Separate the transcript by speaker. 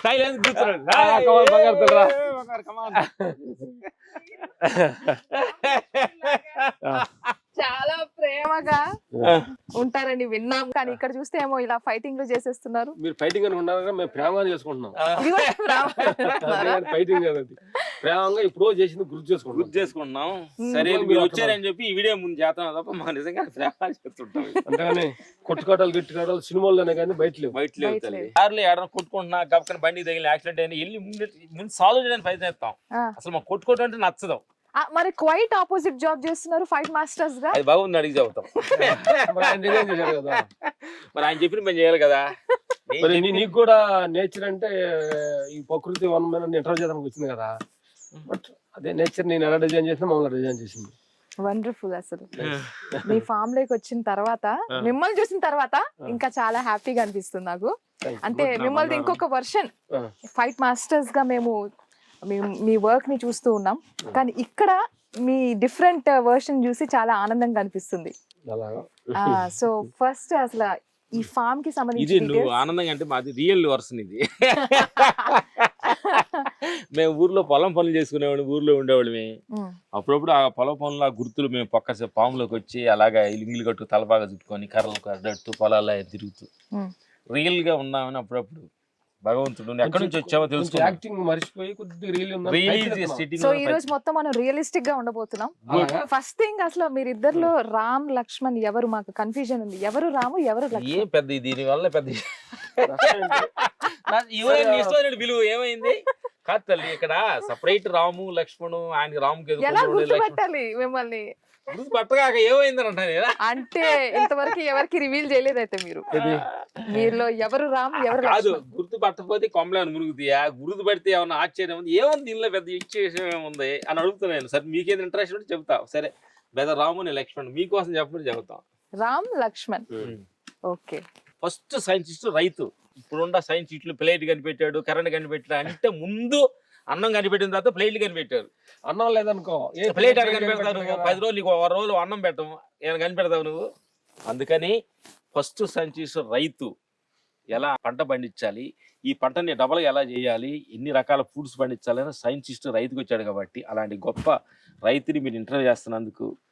Speaker 1: Silence కూర్చున్నాడు.
Speaker 2: చాలా ప్రేమగా ఉంటారని విన్నాం, కానీ ఇక్కడ చూస్తే ఏమో ఇలా ఫైటింగ్ చేసేస్తున్నారు.
Speaker 3: మీరు ఫైటింగ్ అని ఉన్నారా? మేము ప్రేమగా చేసుకుంటున్నాం.
Speaker 2: ఇది కూడా ప్రేమ.
Speaker 3: ఫైటింగ్ కదండి, ప్రేమగా ఇప్పుడు చేసింది గుర్తు
Speaker 1: చేసుకుంటున్నాం. సరే మీరు వచ్చారని చెప్పి ఈ వీడియో ముందు చేస్తాం తప్ప మా నిజంగా ప్రేమ చేస్తుంటాం.
Speaker 3: అంతేగాని కొట్టుకోటాలు గిట్టుకోటాలు సినిమాల్లోనే కానీ బయట
Speaker 1: లేవు. కార్లు ఏడన్నా కొట్టుకుంటున్నా గబకని బండికి తగిలి యాక్సిడెంట్ అయినా వెళ్ళి ముందు సాల్వ్ చేయడానికి ప్రయత్నిస్తాం. అసలు మాకు కొట్టుకోవడం అంటే నచ్చదు.
Speaker 2: మరి క్వైట్ ఆపోజిట్ జాబ్ చేస్తున్నారు ఫైట్ మాస్టర్స్ గా.
Speaker 1: అది బాగుంది అడిగి చెబుతాం. మరి ఆయన చెప్పిన పని చేయాలి కదా.
Speaker 3: మరి నీకు కూడా నేచర్ అంటే ఈ ప్రకృతి వనమైన ఇంటర్వ్యూ చేయడానికి వచ్చింది కదా, బట్ అదే నేచర్ నేను ఎలా డిజైన్ చేసినా మమ్మల్ని డిజైన్ చేసింది.
Speaker 2: వండర్ఫుల్. అసలు మీ ఫామ్ లోకి వచ్చిన తర్వాత, మిమ్మల్ని చూసిన తర్వాత ఇంకా చాలా హ్యాపీగా అనిపిస్తుంది నాకు. అంటే మిమ్మల్ని ఇంకొక వర్షన్ ఫైట్ మాస్టర్స్ గా మేము మీ వర్క్ ని చూస్తూ ఉన్నాం, కానీ ఇక్కడ మీ డిఫరెంట్ వర్షన్ చూసి చాలా ఆనందంగా అనిపిస్తుంది. సో ఫస్ట్ అసలు ఈ ఫామ్ కి సంబంధించి
Speaker 1: ఆనందంగా అంటే మాది రియల్ వర్షన్ ఇది. మేము ఊర్లో పొలం పనులు చేసుకునేవాడు, ఊర్లో ఉండేవాళ్ళమే. అప్పుడప్పుడు ఆ పొలం పనులు ఆ గుర్తులు మేము పక్క పాములోకి వచ్చి అలాగా ఇల్లు కట్టు తలబాగా చుట్టుకొని కర్రలు కడ్డట్టు పొలాల్లో తిరుగుతూ రియల్ గా ఉన్నామని అప్పుడప్పుడు భగవంతుడు ఎక్కడి నుంచి వచ్చామో తెలుసు.
Speaker 3: యాక్టింగ్ మర్చిపోయి కొద్దిగా
Speaker 2: సో ఈ రోజు మొత్తం మనం రియలిస్టిక్ గా ఉండబోతున్నాం. ఫస్ట్ థింగ్, అసలు మీరిద్దరిలో రామ్ లక్ష్మణ్ ఎవరు? మాకు కన్ఫ్యూజన్ ఉంది, ఎవరు రాము ఎవరు లక్ష్మణ్?
Speaker 1: ఏం పెద్ద దీని వల్ల పెద్ద విలువ ఏమైంది కాదు తల్లి. ఇక్కడ సపరేట్ రాము లక్ష్మణు, ఆయన రాముకి
Speaker 2: ఎలా గుర్తుపట్టాలి మిమ్మల్ని?
Speaker 1: పట్టగాక ఏమైందని అంటాను.
Speaker 2: అంటే ఇంతవరకు ఎవరికి రివీల్ చేయలేదు అయితే మీరు, మీలో ఎవరు రామ్ ఎవరు
Speaker 1: కాదు. గుర్తు పట్టకపోతే కొమ్మలేని మురుగుతాయా? గుర్తు పడితే ఏమన్నా ఆశ్చర్యం ఉంది, ఏముంది దీనిలో పెద్ద ఇచ్చేసం ఏముంది అని అడుగుతున్నాను. సరే మీకేది ఇంట్రెస్ట్ ఉంటే చెప్తా. సరే పెద్ద రాము నేను లక్ష్మణ్ మీకోసం చెప్పమని చెబుతాం.
Speaker 2: Ram Lakshman. Okay.
Speaker 1: First scientist రైతు. ఇప్పుడున్న సైంటిస్టులు ప్లేట్ కనిపెట్టాడు, కరెంట్ కనిపెట్టాడు అంటే ముందు అన్నం కనిపెట్టిన తర్వాత ప్లేట్లు కనిపెట్టారు.
Speaker 3: అన్నం లేదనుకో
Speaker 1: ప్లేట్ అక్కడ కనిపెడతావు నువ్వు. 10 రోజులు నీకు 1 రోజు అన్నం పెట్టము, ఏమైనా కనిపెడతావు నువ్వు. అందుకని ఫస్ట్ సైంటిస్ట్ రైతు. ఎలా పంట పండించాలి, ఈ పంటని డబల్గా ఎలా చేయాలి, ఎన్ని రకాల ఫుడ్స్ పండించాలని సైంటిస్ట్ రైతుకు వచ్చాడు. కాబట్టి అలాంటి గొప్ప రైతుని మీరు ఇంటర్వ్యూ చేస్తున్నందుకు